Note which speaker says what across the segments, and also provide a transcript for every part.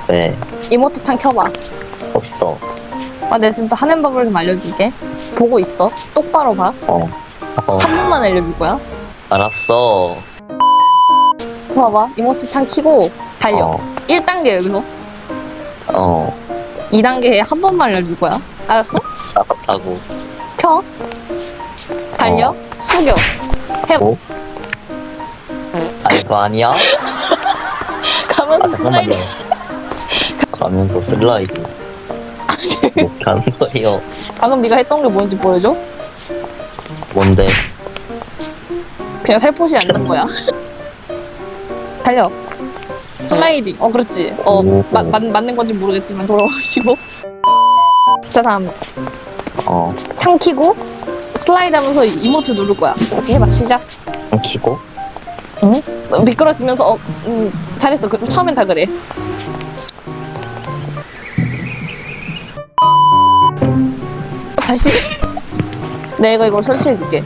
Speaker 1: 왜?
Speaker 2: 이모트 창 켜봐.
Speaker 1: 없어.
Speaker 2: 아, 내가 지금부터 하는 법을 좀 알려줄게. 보고 있어. 똑바로 봐.
Speaker 1: 어.
Speaker 2: 한 번만 알려줄 거야.
Speaker 1: 알았어.
Speaker 2: 봐봐. 이모트 창 켜고 달려.
Speaker 1: 어.
Speaker 2: 1단계 여기서.
Speaker 1: 어.
Speaker 2: 2단계에 한 번만 알려줄 거야. 알았어?
Speaker 1: 알았다고.
Speaker 2: 켜. 달려. 숙여.
Speaker 1: 뭐? 아, 이거 아니야?
Speaker 2: 가면서 슬라이드.
Speaker 1: 잠깐만요. 가면서 슬라이드. 이렇게 하는 거예요.
Speaker 2: 방금 네가 했던 게 뭔지 보여줘?
Speaker 1: 뭔데?
Speaker 2: 그냥 살포시 앉는 거야. 달려. 슬라이딩. 그렇지.
Speaker 1: 오.
Speaker 2: 맞는 건지 모르겠지만 돌아오시고. 자, 다음. 창 키고 슬라이드 하면서 이모트 누를 거야. 오케이, 해봐. 시작.
Speaker 1: 키고?
Speaker 2: 응? 미끄러지면서 잘했어. 처음엔 다 그래. 다시. 내가 이걸 설치해줄게.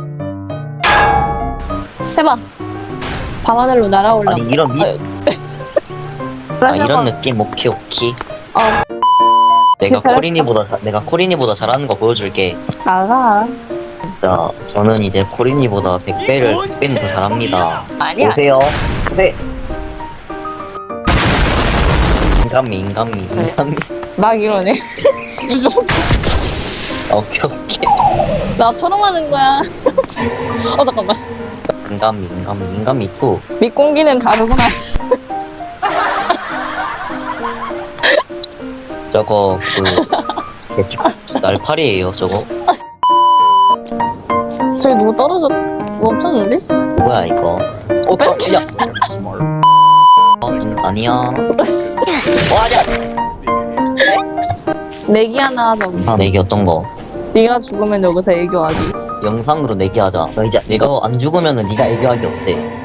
Speaker 2: 해봐. 밤하늘로 날아올라.
Speaker 1: 아니, 이런 이런 느낌? 오케이. 내가
Speaker 2: 잘했어.
Speaker 1: 코린이보다 잘하는 거 보여줄게.
Speaker 2: 나가.
Speaker 1: 진짜 저는 이제 코린이보다 100배는 더 잘합니다.
Speaker 2: 아니야.
Speaker 1: 보세요. 네. 인간미.
Speaker 2: 막 이러네. 요즘
Speaker 1: 오케이.
Speaker 2: 나처럼 하는 거야. 잠깐만.
Speaker 1: 인간미 2.
Speaker 2: 밑공기는 다르구나.
Speaker 1: 저거 날파리예요 저거.
Speaker 2: 저기 누구 멈췄는데?
Speaker 1: 뭐야 이거? 야. 아니야. 아니야.
Speaker 2: 내기 하나 하자.
Speaker 1: 영상 내기 어떤 거?
Speaker 2: 네가 죽으면 여기서 애교하기.
Speaker 1: 영상으로 내기하자. 너 이제 내가 안 죽으면은 네가 애교하기 어때?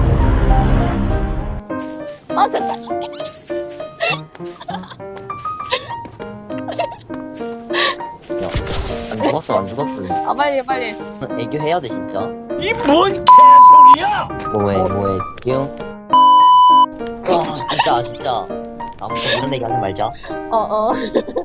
Speaker 2: 됐다.
Speaker 1: 안 죽었어.
Speaker 2: 빨리.
Speaker 1: 애교 해야 돼 진짜.
Speaker 3: 이 뭔 개소리야!
Speaker 1: 뭐해 뿅. 진짜 아무튼 이런 얘기 하지 말자.